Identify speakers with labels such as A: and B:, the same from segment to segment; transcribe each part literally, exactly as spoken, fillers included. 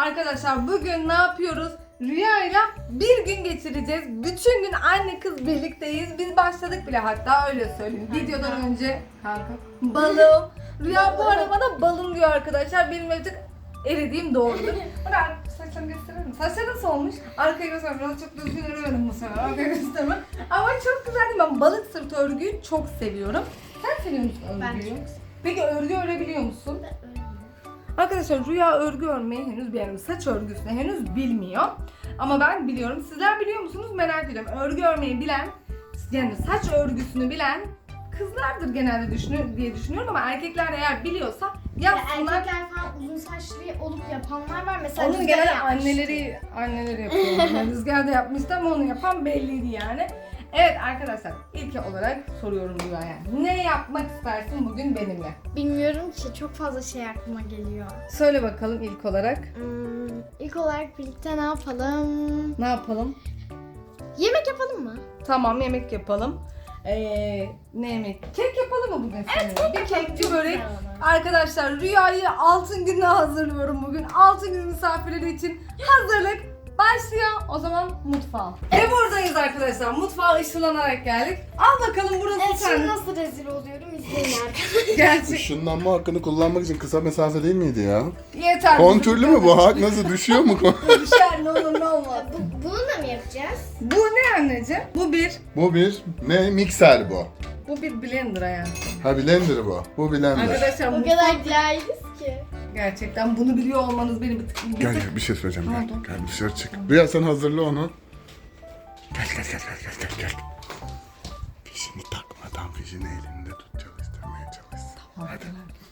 A: Arkadaşlar bugün ne yapıyoruz? Rüyayla bir gün geçireceğiz. Bütün gün anne kız birlikteyiz. Biz başladık bile, hatta öyle söyleyeyim. Videodan önce kanka balım. Rüya bu arada bana balım diyor arkadaşlar. Benim artık eridiğim doğrudur. Bana saçlarını gösterir misin? Saçları nasıl olmuş? Arkaya göstermem. Biraz çok düzgün öremedim bu sefer. Arkaya göstermem. Ama çok güzeldi. Ben balık sırtı örgüyü çok seviyorum. Sen seviyor musun örgüyü?
B: Ben çok seviyorum.
A: Peki örgü örebiliyor musun? Arkadaşlar Rüya örgü örmeyi henüz beğenmiyor. Saç örgüsünü henüz bilmiyor. Ama ben biliyorum. Sizler biliyor musunuz merak ediyorum. Örgü örmeyi bilen, yani saç örgüsünü bilen kızlardır genelde düşünür diye düşünüyorum ama erkekler eğer biliyorsa
B: Ya
A: yapsınlar.
B: erkekler falan uzun saçlı olup yapanlar var. Mesela
A: Onu
B: Rüzgar
A: genelde
B: yapmıştı.
A: anneleri anneleri yapıyor. Yani Rüzgar da yapmıştı ama onu yapan belliydi yani. Evet arkadaşlar, ilk olarak soruyorum Rüya'ya. Ne yapmak istersin bugün benimle?
B: Bilmiyorum ki, çok fazla şey aklıma geliyor.
A: Söyle bakalım ilk olarak.
B: Hmm, ilk olarak birlikte ne yapalım?
A: Ne yapalım?
B: Yemek yapalım mı?
A: Tamam, yemek yapalım. Ee, ne yemek? Kek yapalım mı bugün seninle?
B: kek
A: Bir
B: yapalım.
A: kekçi
B: Çok
A: börek.
B: güzel olur.
A: Arkadaşlar Rüya'yı altın gününe hazırlıyorum bugün. Altın günü misafirleri için hazırlık başlıyor. O zaman mutfağa. Ve buradayız arkadaşlar. Mutfağa ışınlanarak geldik. Al bakalım burası
B: Evet, şimdi
A: sen.
B: nasıl rezil oluyorum izleyin arkadaşlar.
A: Gerçek.
C: Işınlanma hakkını kullanmak için kısa mesafe değil miydi ya?
A: Yeter.
C: Kontürlü mü bu hak? Nasıl düşüyor mu?
A: Düşer, ne olur ne olmaz.
B: Bu, bunu da mı yapacağız?
A: Bu ne anneciğim? Bu bir.
C: Bu bir ne? Mikser bu.
A: Bu bir blender hayatım.
C: Ha blender bu. Bu blender.
A: Arkadaşlar
B: O
A: mutfak
B: kadar cahiliz ki.
A: gerçekten bunu biliyor olmanız beni bir tık bir
C: Gel
A: tık
C: gel bir şey söyleyeceğim
A: Ne
C: gel.
A: oldu?
C: Gel dışarı çık. Rüya sen hazırla onu. Gel gel gel gel gel gel. gel. Fişini takmadan fişini elinde tut, çalıştırmaya çalış. Hadi.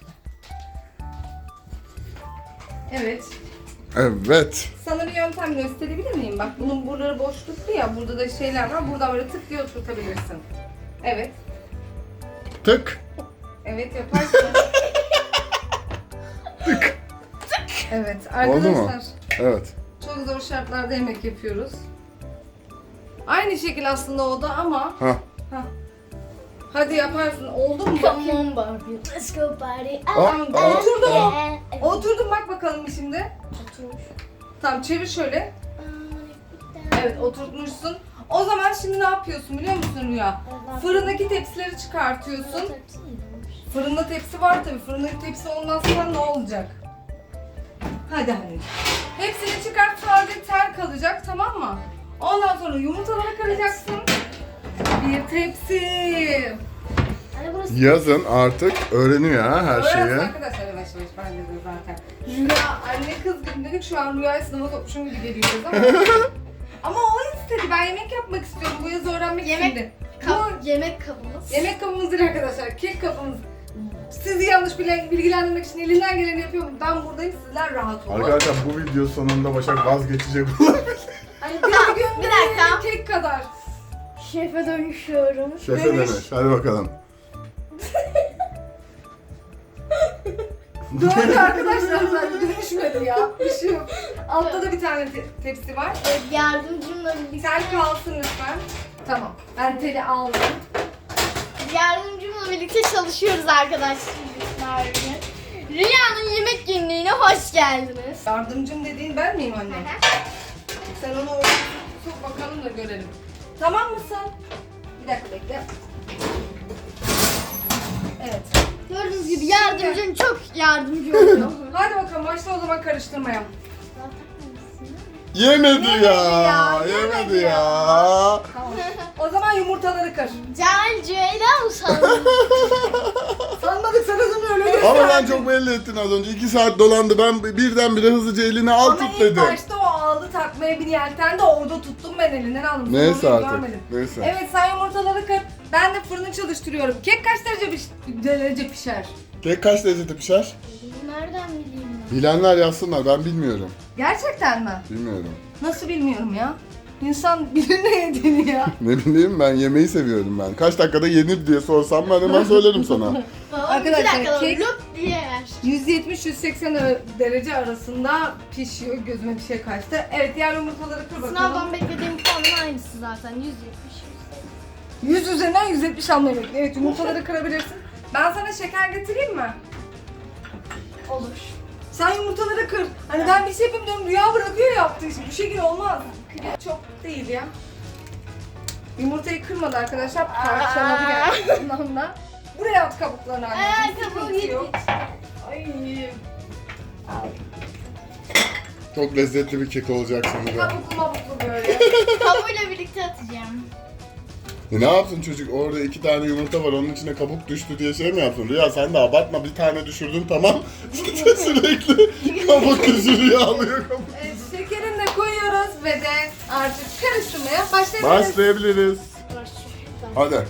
A: Evet.
C: Evet.
A: Sana bir yöntem gösterebilir miyim? Bak bunun buraları boşluklu ya. Burada da şeyler var. Buradan böyle tık diye oturtabilirsin. Evet.
C: Tık.
A: Evet yaparsın.
C: Tık.
A: Evet
C: Oldu mu?
A: arkadaşlar.
C: Evet.
A: Çok zor şartlarda yemek yapıyoruz. Aynı şekil aslında o da ama.
C: Ha.
A: Hah. Hadi yaparsın. Oldu mu? Bakayım.
B: Come on Barbie. Let's go party.
C: Aa,
A: Tamam,
C: aa.
A: oturdu mu?
B: Evet.
A: Oturdum, bak bakalım şimdi.
B: Oturmuş.
A: Tamam, çevir şöyle. Evet, oturtmuşsun. O zaman şimdi ne yapıyorsun biliyor musun Rüya? Fırındaki tepsileri çıkartıyorsun. Fırında tepsi var tabii. Fırındaki tepsi olmazsa ne olacak? Hadi hadi. Hepsini çıkart, sadece tel kalacak, tamam mı? Ondan sonra yumurtaları kıracaksın. Bir tepsi.
B: Hani burası
C: Yazın artık öğreniyor ha her
A: Öğrensin
C: şeyi.
A: arkadaşlar yavaş yavaş, bence de zaten. Rüya, anne kız gibi dedik, şu an Rüya'yı sınava sokmuşum gibi geliyoruz ama. Ama o istedi, ben yemek yapmak istiyorum, bu yaz öğrenmek
B: Yemek-
A: istedi.
B: kap,
A: Bu
B: yemek kabımız.
A: yemek kabımızdır arkadaşlar, kek kabımız. Sizi yanlış bile- bilgilendirmek için elinden geleni yapıyorum. Ben buradayım, sizler rahat olun.
C: Arkadaşlar bu video sonunda Başak vazgeçecek olabilir.
A: Hani
B: Tamam,
A: bir gün
B: bir dakika.
A: kek kadar.
B: Şefe dönüşüyorum.
C: Şefe
A: Dönüş.
C: dönüş. Hadi bakalım.
A: Döndü arkadaşlar, zaten dönüşmedi ya. Bir şey yok. Altta da bir tane te- tepsi var.
B: Evet, yardımcımla birlikte.
A: Tel kalsın lütfen. Tamam, ben teli aldım.
B: Yardımcımla birlikte çalışıyoruz arkadaşlar. Rüya'nın yemek günlüğüne hoş geldiniz.
A: Yardımcım dediğin ben miyim anne? Sen onu oraya sok bakalım da görelim. Tamam mısın? Bir dakika bekle. Evet.
B: Gördüğünüz gibi yardımcım çok yardımcı oluyor.
A: Hadi bakalım, başla o zaman karıştırmaya.
C: Yemedi
A: Yemedi
C: ya.
A: ya,
C: Yemedi
A: yemedi
C: ya.
A: Tamam. O zaman yumurtaları kır.
B: Cahil Ceylan usandım.
A: Sanmadık sana da öyle gösterdim.
C: Ama ben çok belli ettin az önce. iki saat dolandı. Ben birdenbire hızlıca eline al
A: Ama
C: tut
A: ilk
C: dedim.
A: başta o aldı takmaya bir yelten de orada tuttum, ben elinden aldım. Sonra
C: Neyse
A: onu
C: artık.
A: görmedim.
C: Neyse.
A: Evet, sen yumurtaları kır. Ben de fırını çalıştırıyorum. Kek kaç derece, piş- derece pişer?
C: Kek kaç derecede pişer?
B: Nereden bileyim ben?
C: Bilenler yazsınlar. Ben bilmiyorum.
A: Gerçekten mi?
C: Bilmiyorum.
A: Nasıl bilmiyorum ya? İnsan bilir ne yediğini ya.
C: Ne bileyim, ben yemeği seviyorum ben. Kaç dakikada yenir diye sorsam ben hemen söylerim sana.
B: Babam
A: Arkadaşlar,
B: iki dakikada
A: kek-
B: lup diye yer.
A: yüz yetmiş yüz seksen derece arasında pişiyor. Gözüme bir şey kaçtı. Evet, diğer yumurtaları kır bakalım.
B: Sınavdan beklediğim puanın aynısı zaten. yüz yetmiş.
A: yüz üzerinden yüz yetmiş almayı bekliyor. Evet, yumurtaları kırabilirsin. Ben sana şeker getireyim mi?
B: Olur.
A: Sen yumurtaları kır. Hani ben bir şey yapayım diyorum, Rüya bırakıyor yaptığı işi. Bu şekilde olmaz. Çok değil ya. Yumurtayı kırmadı arkadaşlar, parçaladı gerçekten ondan. Buraya at kabuklarını
B: Aa,
A: anneciğim.
B: kabuğu
A: Sıkıntı yok.
B: Ay.
C: Çok lezzetli bir kek olacak sanırım.
A: Kabuklu mabuklu böyle.
B: Kabuğuyla birlikte atacağım.
C: E ne yapsın çocuk? Orada iki tane yumurta var, onun içine kabuk düştü diye şey mi yapsın? Rüya sen de abartma, bir tane düşürdün tamam. Sürekli kabuk düşürüyor, alıyor kabuk.
A: Evet, şekerini de koyuyoruz ve de artık karıştırmaya başlayabiliriz.
C: Başlayabiliriz. Hadi.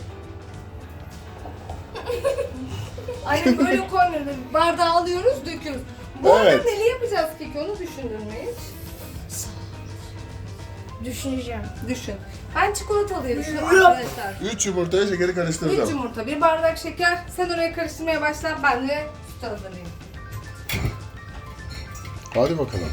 A: Aynen böyle koymuyoruz. Bardağı alıyoruz, döküyoruz. Bu arada
C: Evet.
A: neli yapacağız peki, onu düşündün mü hiç?
B: Düşüneceğim.
A: Düşün. Ben çikolatalı diye düşünüyorum arkadaşlar.
C: Üç yumurtaya şekeri
A: Üç
C: karıştıracağım.
A: yumurta, bir bardak şeker. Sen oraya karıştırmaya başla, ben de süt hazırlayayım.
C: Hadi bakalım.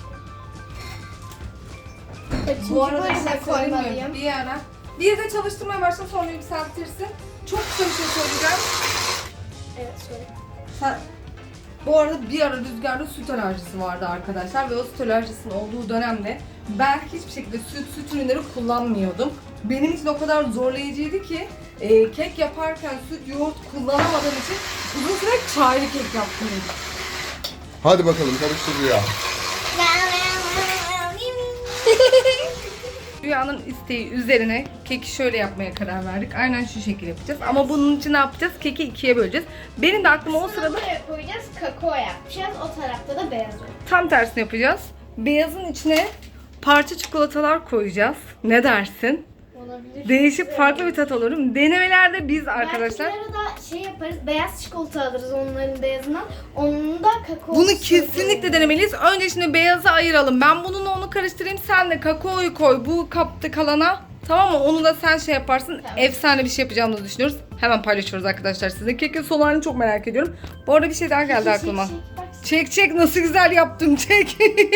A: Bu arada bir
B: böyle
A: şey söyleyeyim mi?
B: koymalıyım.
A: Bir ara. Bir de çalıştırmaya başla, sonra yükseltirsin. Çok kısa bir şey söyleyeceğim.
B: Evet söyle.
A: Sen- Bu arada bir ara Rüzgar'da süt alerjisi vardı arkadaşlar ve o süt alerjisinin olduğu dönemde ben hiçbir şekilde süt, süt ürünleri kullanmıyordum. Benim için o kadar zorlayıcıydı ki e, kek yaparken süt, yoğurt kullanamadığım için uzun süre çaylı kek yaptım.
C: Hadi bakalım, karıştır Rüya.
A: Rüyanın isteği üzerine keki şöyle yapmaya karar verdik. Aynen şu şekilde yapacağız. Ama bunun için ne yapacağız? Keki ikiye böleceğiz. Benim de aklıma o sırada
B: Buraya koyacağız, kakao yapacağız. O tarafta da beyaz olacak.
A: tam tersini yapacağız. Beyazın içine parça çikolatalar koyacağız. Ne dersin?
B: Olabilir.
A: Değişik farklı bir tat olur. Denemelerde biz arkadaşlar
B: Belki bir arada şey yaparız, beyaz çikolata alırız onların beyazından. Onun da kakao.
A: bunu kesinlikle denemeliyiz. Önce şimdi beyazı ayıralım. Ben bununla onu karıştırayım. Sen de kakaoyu koy bu kapta kalana. Tamam mı? Onu da sen şey yaparsın.
B: Tamam.
A: Efsane bir şey yapacağımızı düşünüyoruz. Hemen paylaşıyoruz arkadaşlar size. Kekin son halini çok merak ediyorum. Bu arada bir şey daha geldi aklıma. Çek çek, nasıl güzel yaptım, çek.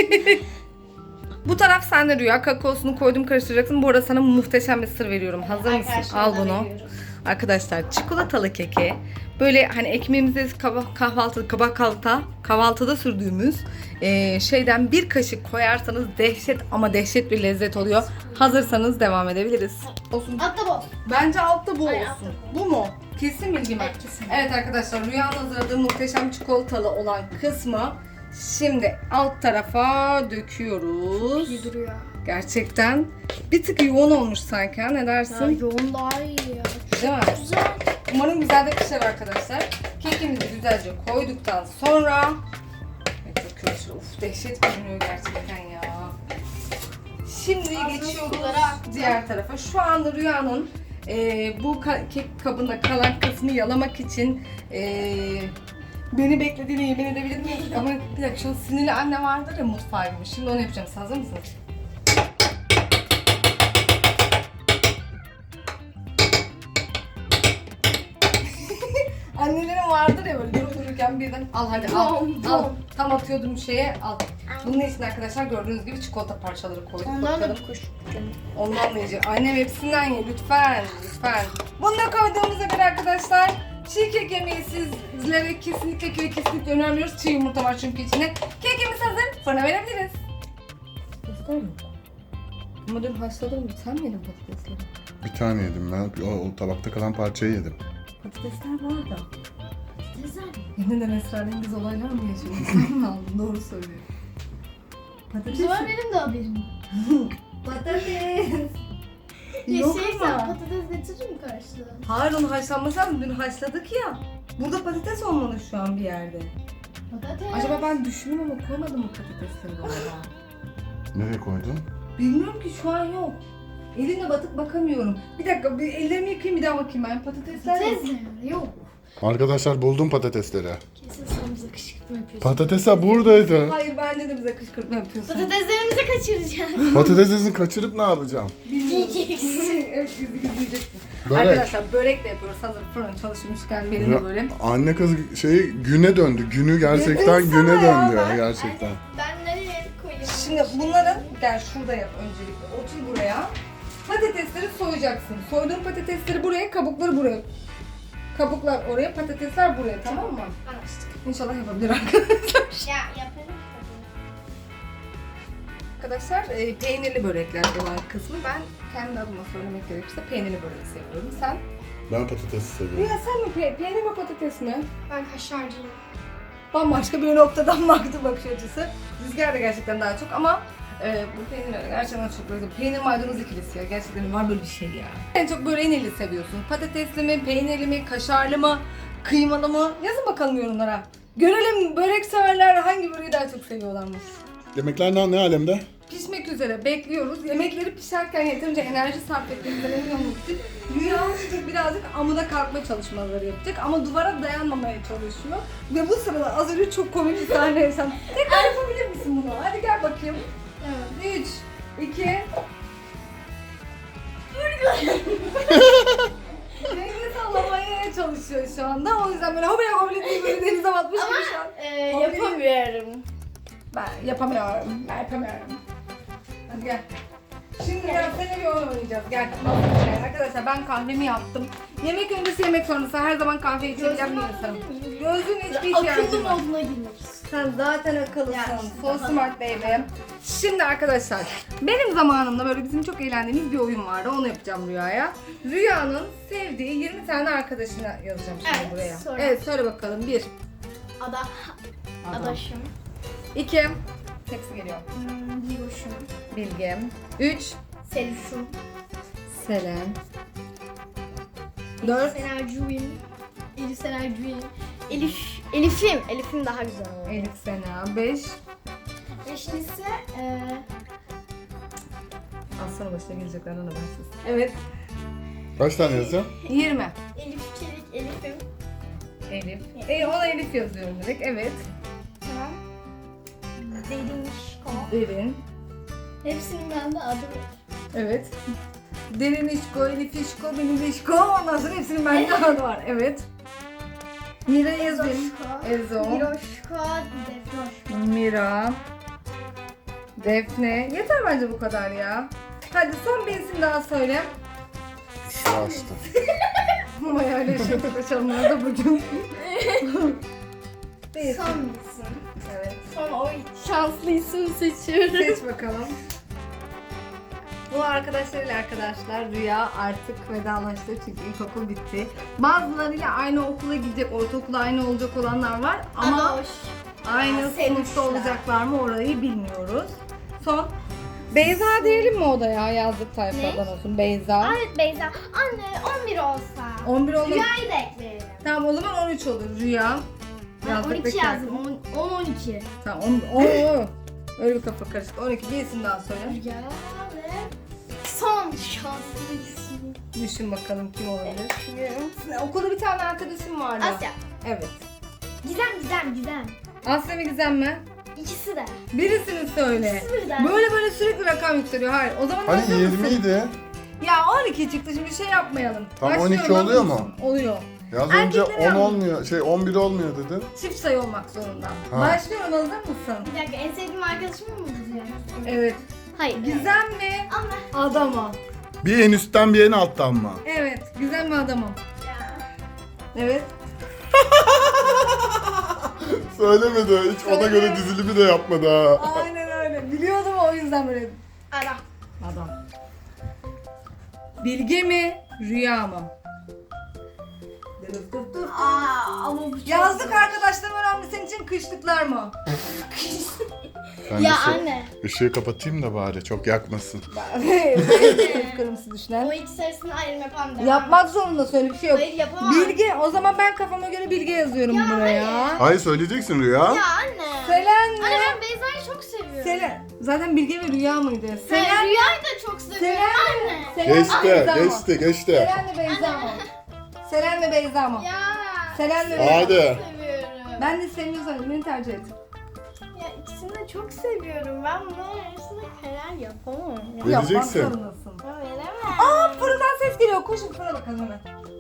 A: Bu taraf sende Rüya. Kakaosunu koydum, karıştıracaksın. Bu arada sana muhteşem bir sır veriyorum. Hazır mısın? Al bunu. Arkadaşlar çikolatalı keke böyle hani ekmeğimizi kah- kahvaltı, kabak kahvaltıda, kahvaltıda sürdüğümüz eee, şeyden bir kaşık koyarsanız dehşet ama dehşet bir lezzet oluyor. Hazırsanız devam edebiliriz. Olsun.
B: Hatta bu.
A: Bence altta bu
B: Ay,
A: olsun.
B: altta
A: Bu mu? Kesin bilgi mi?
B: Evet, kesin.
A: Evet arkadaşlar, Rüya'nın hazırladığı muhteşem çikolatalı olan kısmı şimdi alt tarafa döküyoruz.
B: İyi duruyor.
A: Gerçekten bir tık yoğun olmuş sanki, ha? Ne
B: Ya,
A: dersin?
B: yoğun daha iyi ya.
A: Değil mi?
B: Güzel.
A: Umarım güzel de pişer arkadaşlar. Kekimizi güzelce koyduktan sonra evet, döküyoruz. Uf, dehşet görünüyor gerçekten ya. Şimdi geçiyoruz diğer tarafa. Şu anda Rüya'nın e, bu ka- kek kabında kalan kısmı yalamak için e, beni beklediğini yemin edebilir miyim? Ama bir dakika, şu an sinirli anne vardır ya mutfağa girmiş. Şimdi onu yapacağım. Siz hazır mısınız? Annelerin vardır ya böyle durup dururken birden al hadi al,
B: Bom,
A: al.
B: bom.
A: Tam atıyordum şeye, al. Bunun için arkadaşlar gördüğünüz gibi çikolata parçaları koyduk.
B: Ondan
A: bakalım.
B: da kuş.
A: Ondan da yiyecek. Annem hepsinden ye lütfen, lütfen. Bunu da koyduğumuza göre arkadaşlar çiğ kek yemeği sizlere kesinlikle ve kesinlikle önermiyoruz. Çiğ yumurta var çünkü içinde. Kekimiz hazır, fırına verebiliriz. Patatesler yok. Ama dün haşladım, sen mi yedin patatesleri?
C: Bir tane yedim ben. O, o tabakta kalan parçayı yedim.
A: Patatesler var da.
B: Güzel.
A: Yeniden esrarengiz olaylar mı yaşıyorsun? Sen mi aldın? Doğru söylüyor. Patates.
B: Bu sefer benim de haberim.
A: Patates.
B: Ya
A: Yok
B: şey sen
A: ama.
B: patates getirir mi karşılığı?
A: Hayır, onu haşlanması lazım. Dün haşladık ya. Burada patates olmalı şu an bir yerde.
B: Patates.
A: Acaba ben düşündüm ama koymadım mı patatesleri galiba?
C: Nereye koydun?
A: Bilmiyorum ki, şu an yok. Elimle batıp bakamıyorum. Bir dakika, bir ellerimi yıkayayım bir daha bakayım ben. Patatesler yok.
B: Patates ne? Yok.
C: Arkadaşlar buldum patatesleri.
B: Kesin sen bize kışkırtma yapıyorsun.
C: Patatesler buradaydı.
A: Hayır, bence de bize kışkırtma yapıyorsun.
B: Patateslerimizi kaçıracağız.
C: Patatesini kaçırıp ne yapacağım?
B: Yiyeceksin.
A: Evet, bizi gizleyeceksin.
C: Börek.
A: Arkadaşlar börek de yapıyoruz. Hazır fırın çalışmışken benim de böyle.
C: Anne kız şeyi güne döndü. Günü gerçekten
A: Dedim
C: güne
A: sana ya
C: döndü
A: ben.
C: gerçekten.
B: Ben nereye koyayım?
A: Şimdi bunların, gel şurada yap öncelikle. Otur buraya. Patatesleri soyacaksın. Soyduğun patatesleri buraya, kabukları buraya. Kabuklar oraya, patatesler buraya, tamam mı?
B: Anlaştık.
A: İnşallah yapabilir arkadaşlar.
B: Ya yaparım.
A: Arkadaşlar e, peynirli börekler olan kısmı ben kendi adıma söylemek gerekirse peynirli börek seviyorum. Sen?
C: Ben patatesi seviyorum.
A: Ya sen mi pe- peynir mi patates mi?
B: Ben kaşarcıyım.
A: Bambaşka bir noktadan baktı bakış açısı. Rüzgar da gerçekten daha çok ama e, bu peynirler gerçekten çok böyle peynir maydanoz ikilisi ya. Gerçekten var böyle bir şey ya. En çok böreği neli seviyorsun? Patatesli mi, peynirli mi, kaşarlı mı, kıymalı mı? Yazın bakalım yorumlara. Görelim börek severler hangi böreği daha çok seviyorlarmış.
C: Yemekler ne, ne alemde?
A: Pişmek üzere bekliyoruz. Yemekleri pişerken yeterince enerji sarf ettiğimizden emin olmak için Rüya birazcık amuda kalkma çalışmaları yapacak ama duvara dayanmamaya çalışıyor. Ve bu sırada az önce çok komik bir sahne yaşandı. Tekrar yapabilir misin bunu? Hadi gel bakayım. Evet. üç, iki... Denizi sallamaya çalışıyor şu anda. O yüzden böyle hobile hobile diye böyle denize batmış gibi şu an.
B: Ee, yapamıyorum.
A: Ben yapamıyorum. Ben yapamıyorum. Hadi gel. Şimdi biraz seni bir oyun oynayacağız. Gel. Arkadaşlar ben kahvemi yaptım. Yemek öncesi yemek sonrası her zaman kahve içeceğim bir insanım. Gözün hiçbir ihtiyacı
B: Akıllı
A: var.
B: moduna girmek.
A: Sen zaten akıllısın.
B: Ya,
A: So smart baby. Şimdi arkadaşlar benim zamanımda böyle bizim çok eğlendiğimiz bir oyun vardı. Onu yapacağım Rüya'ya. Rüya'nın sevdiği yirmi tane arkadaşına yazacağım şimdi
B: Evet,
A: buraya.
B: sonra.
A: Evet söyle bakalım. Bir.
B: Ada, adaşım.
A: İki. Hepsi geliyor.
B: Hmm, Digoşum.
A: Bilgem. Üç.
B: Seluşum.
A: Selen. Dört.
B: Senercuğum. Elif Senercuğum. Elif, Elif'im. Elif'im daha güzel olur.
A: Elif Sena. Beş.
B: Beşincisi eee
A: Aslanın başına geleceklerden habersiz. Evet.
C: Kaç tane yazacağım?
A: Yirmi.
B: Elif Çelik, Elif'im.
A: Elif. E, ona Elif yazıyorum direkt. Evet.
B: Tamam. Derin Şiko.
A: Derin.
B: Hepsinin bende adı var.
A: Evet. Derin İşko, Elif İşko, benim İşko. Ondan sonra hepsinin bende adı var. Evet. Mira yazayım. Ezo.
B: Miroşko, Defnoşko.
A: Mira. Defne. Yeter bence bu kadar ya. Hadi son bir isim daha söyle.
C: Sıra açtım.
A: Ama öyle şey kaçanlar da bugün. Bir isim.
B: Son isim.
A: Evet.
B: Son o şanslı isim seçiyorum.
A: Seç bakalım. Bu arkadaşlarıyla arkadaşlar Rüya artık vedalaştı çünkü ilkokul bitti. Bazılarıyla aynı okula gidecek, ortaokula aynı olacak olanlar var ama
B: Adoş.
A: aynı
B: Aa,
A: sınıfta
B: sevmişler.
A: olacaklar mı orayı bilmiyoruz. Son. Beyza diyelim mi o da ya yazdık tayfadan olsun Beyza.
B: Evet Beyza. Anne on bir olsa.
A: on bir oldu.
B: Rüyayı da ekleyelim.
A: Tamam o zaman on üç olur Rüya.
B: Ben
A: Yazdık
B: on iki
A: beklerken.
B: yazdım. on on iki.
A: Tamam on, on, öyle bir kafa karışık. on iki bir isim daha söyle.
B: Rüya ve son şanslı isim.
A: Düşün bakalım kim olabilir.
B: Düşünüyorum.
A: Okulda bir tane arkadaşım vardı.
B: Asya.
A: Evet.
B: Gizem Gizem Gizem.
A: Asya ve Gizem mi?
B: İkisi de.
A: Birisini söyle.
B: İkisi birden.
A: Böyle böyle sürekli rakam yükseliyor. Hayır. O zaman
C: Hani
A: hazır mısın?
C: yirmiydi.
A: Ya on iki çıktı şimdi şey yapmayalım.
C: Tam
A: Başlıyorum,
C: on iki oluyor
A: hazır
C: mu?
A: mısın? Oluyor.
C: Ya az önce
A: Erkekler
C: on
A: yalnız.
C: olmuyor, şey on bir olmuyor dedin.
A: Çift sayı olmak zorunda.
C: Ha.
A: Başlıyorum hazır mısın?
B: Bir dakika en sevdiğim arkadaşım mı Gizem?
A: Evet.
B: Hayır.
A: Gizem mi?
B: Ama.
A: Adamı.
C: Bir en üstten bir en alttan mı?
A: Evet. Gizem mi adamı?
B: Ya.
A: Evet.
C: Söylemedi. Hiç ona
A: Söyle.
C: göre dizilimi de yapmadı ha.
A: Aynen öyle. Biliyordum o yüzden böyle.
B: Ara.
A: Adam. Bilge mi? Rüya mı?
B: Aa ama bu çok
A: Yazdık
B: zor.
A: arkadaşlarım önemli senin için kışlıklar mı?
C: Ben
B: Ya
C: de şu
B: anne.
C: ışığı kapatayım da bari çok yakmasın.
A: Kırmızı düşünen.
B: O ikisi arasında ayrım yapan da.
A: Yapmak zorunda söyle bir şey yok.
B: Hayır yapamam.
A: Bilge, o zaman ben kafama göre Bilge yazıyorum
B: Ya
A: buraya.
C: Hayır söyleyeceksin Rüya.
B: Ya anne.
A: Selen mi?
B: Anne ben Beyza'yı çok seviyorum.
A: Selen. Zaten Bilge ve Rüya mıydı?
B: Ben
A: Selen.
B: Rüya'yı da çok seviyorum
A: Selen
B: anne.
A: mi? Selen mi
C: Geçti,
A: Beyza mı?
C: geçti, geçti.
A: Selen mi Beyza mı? Selen mi Beyza mı?
B: Ya.
A: Selen mi?
C: Hadi.
A: Beyza?
B: Çok seviyorum.
A: Ben de sevmiyorsan beni tercih et.
B: Ya ikisini de çok seviyorum. Ben bunların arasında karar yapamam. Ya.
C: Vereceksin.
A: Yapmak zorundasın.
B: Ben veremem.
A: Aa fırından ses geliyor. Koşun fırına bakalım hemen.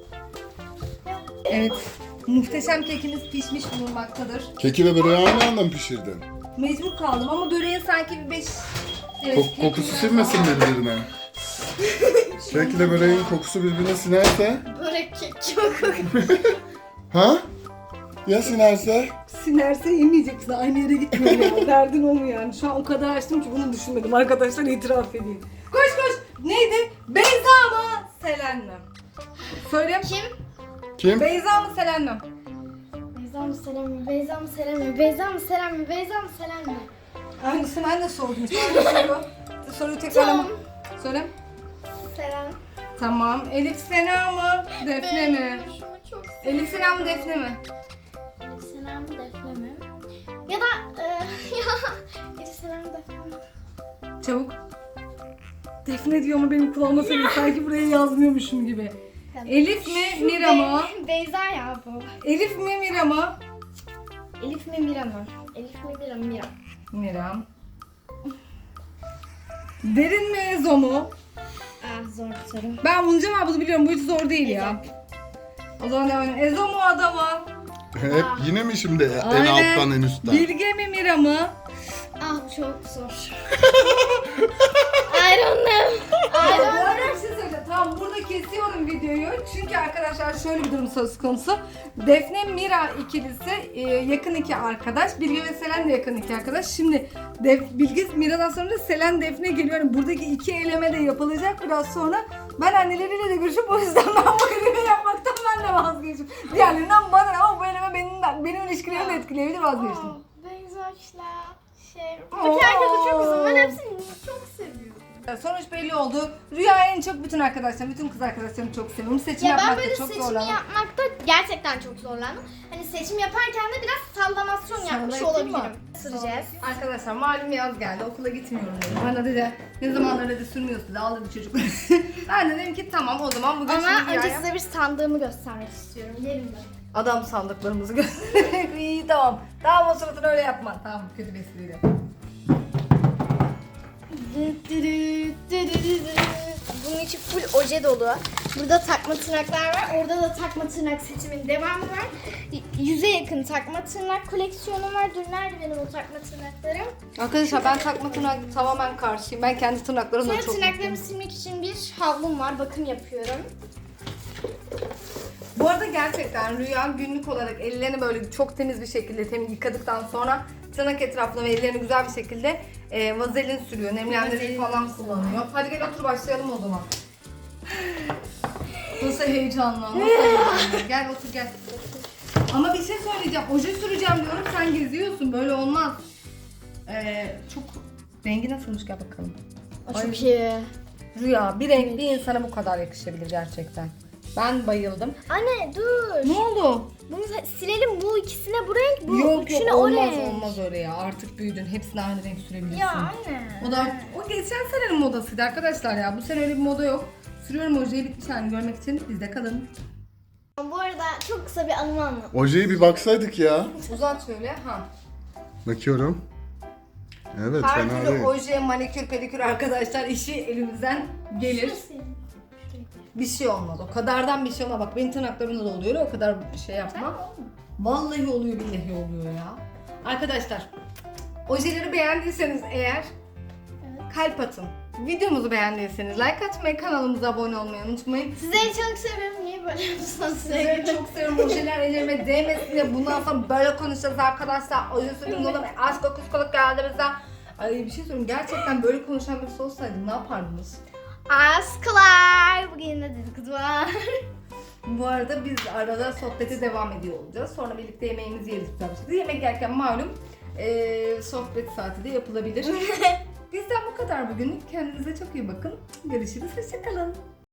A: Evet. Muhteşem kekimiz pişmiş bulunmaktadır.
C: Keki ve böreği aynı anda mı pişirdin?
A: Mecbur kaldım ama böreğin sanki bir beş... Evet,
C: Kok- kokusu
A: kekinden-
C: sinmesin birbirine. Kekle böreğin kokusu birbirine sinerse.
B: Börek kek çok
C: Ha? Ya sinerse?
A: sinerse yemeyecek misin? Aynı yere gitmiyor ya. Derdin o mu yani? Şu an o kadar açtım ki bunu düşünmedim. Arkadaşlar itiraf edeyim. Koş koş. Neydi? Beyza mı? Selen mi? Söyle.
B: Kim?
C: Kim?
A: Beyza mı Selen mi?
B: Beyza mı Selen mi? Beyza mı Selen mi? Beyza mı Selen mi? Beyza mı Selen mi?
A: Aynısı ben de sordum. Aynı soru. Soruyu tekrarlama. Söyle.
B: Selen.
A: Tamam. Elif Sena mı? Defne mi?
B: Şunu çok seviyorum.
A: Elif Sena mı Defne mi?
B: Elif Selen mi Defne mi? Ya da e, ya Elif Selen mi Defne mi?
A: Çabuk. Defne diyor mu benim kulağıma söylüyor. Sanki buraya yazmıyormuşum gibi. Elif mi Mira mı?
B: Be- Beyza ya bu.
A: Elif mi Mira mı?
B: Elif mi Mira mı? Elif mi Mira mı? Mira.
A: Mira. Derin mi Ezo mu?
B: Ah zor bir soru.
A: Ben bunun cevabını biliyorum. Bu hiç zor değil ya. O zaman devam edelim. Ezo mu Ada mı?
C: Hep yine mi şimdi en
A: Aynen.
C: alttan en üstten?
A: Bilge mi Mira mı?
B: Ah çok zor. I don't know. I
A: Bu
B: don't
A: arada
B: know.
A: bir şey söyleyeceğim. Tamam burada kesiyorum videoyu. Çünkü arkadaşlar şöyle bir durum söz konusu. Defne Mira ikilisi e, yakın iki arkadaş. Bilge ve Selen de yakın iki arkadaş. Şimdi Def, Bilge Mira'dan sonra da Selen Defne geliyor. Yani buradaki iki eleme de yapılacak biraz sonra. Ben anneleriyle de görüşüp o yüzden ben bu eleme yapmaktan ben de vazgeçtim. Diğerlerinden bana ne ama bu eleme benim, benim ilişkilerimi de etkileyebilir vazgeçtim.
B: Oh, Beyzaç'la şey. Bütün herkese çok uzun. Ben hepsini çok seviyorum.
A: Sonuç belli oldu. Rüya en çok bütün arkadaşlarım, bütün kız arkadaşlarımı çok seviyorum. Seçim
B: Ya ben
A: yapmakta
B: böyle
A: çok
B: seçimi
A: zorlandım.
B: yapmakta gerçekten çok zorlandım. Hani seçim yaparken de biraz sallamasyon yapmış
A: Sallayayım mı?
B: olabilirim. Süreceğiz.
A: Arkadaşlar malum yaz geldi, okula gitmiyorum dedim. Bana dedi ne zamanlar dedi sürmüyorsun dedi, ağladı çocuk. Ben de dedim ki tamam o zaman bugün
B: Ama
A: şimdi
B: önce
A: Rüya'ya-
B: size bir sandığımı göstermek istiyorum. Yerimde.
A: Adam sandıklarımızı göstererek iyi tamam. Tamam o suratını öyle yapma. Tamam kötü bir espriydi.
B: Bunun içi full oje dolu. Burada takma tırnaklar var. Orada da takma tırnak seçimin devamı var. Yüze yakın takma tırnak koleksiyonum var. Dur nerede benim o takma tırnaklarım?
A: Arkadaşlar ben takma tırnak tamamen karşıyım. Ben kendi tırnaklarımla
B: Sonra
A: çok
B: tırnaklarımı
A: mutluyum.
B: silmek için bir havlum var. Bakım yapıyorum.
A: Bu arada gerçekten Rüya günlük olarak ellerini böyle çok temiz bir şekilde temiz yıkadıktan sonra tırnak etrafına ve ellerini güzel bir şekilde e, vazelin sürüyor. Nemlendirici
B: Vazelin.
A: falan kullanıyor. Hadi gel otur başlayalım o zaman. Nasıl heyecanlı, nasıl heyecanlı. Gel otur gel. Ama bir şey söyleyeceğim. Oje süreceğim diyorum sen geziyorsun. Böyle olmaz. Ee, çok rengi nasılmış gel bakalım.
B: O
A: Ay.
B: çok iyi.
A: Rüya bir renk bir insana bu kadar yakışabilir gerçekten. Ben bayıldım.
B: Anne dur.
A: Ne oldu?
B: Bunu silelim. Bu ikisine bu renk, bu
A: yok
B: üçüne
A: yok
B: o
A: olmaz
B: renk.
A: olmaz öyle ya. Artık büyüdün. Hepsine aynı renk sürebilirsin.
B: Ya anne.
A: O da o geçen senenin modasıydı arkadaşlar ya. Bu sene öyle bir moda yok. Sürüyorum ojeyi bitmiş halini görmek için bizde kalın.
B: Bu arada çok kısa bir anımı anlat.
C: Ojeyi bir baksaydık ya.
A: Uzat şöyle ha.
C: Bakıyorum. Evet
A: Her
C: fena
A: türlü
C: değil.
A: oje, manikür, pedikür arkadaşlar işi elimizden gelir. Bir şey olmaz. O kadardan bir şey olmaz. Bak benim tırnaklarımda da oluyor. O kadar bir şey yapma. Vallahi oluyor billahi oluyor ya. Arkadaşlar ojeleri beğendiyseniz eğer kalp atın. Videomuzu beğendiyseniz like atmayı, kanalımıza abone olmayı unutmayın.
B: Sizleri çok seviyorum. Niye böyle yapıyorsunuz?
A: Sizleri çok seviyorum. Ojeler ellerime değmesin diye bundan sonra böyle konuşacağız arkadaşlar. Oje sürdüğümüz oğlum aşk o kuskoluk geldi bize. Ay bir şey söyleyeyim. Gerçekten böyle konuşan birisi olsaydı ne yapardınız?
B: Askılar. Bugün de dedikodu var.
A: Bu arada biz arada sohbete devam ediyor olacağız. Sonra birlikte yemeğimizi yeriz güzel bir şekilde. Yemek yerken malum eee, sohbet saati de yapılabilir. Bizden bu kadar bugünlük. Kendinize çok iyi bakın. Görüşürüz. Hoşçakalın.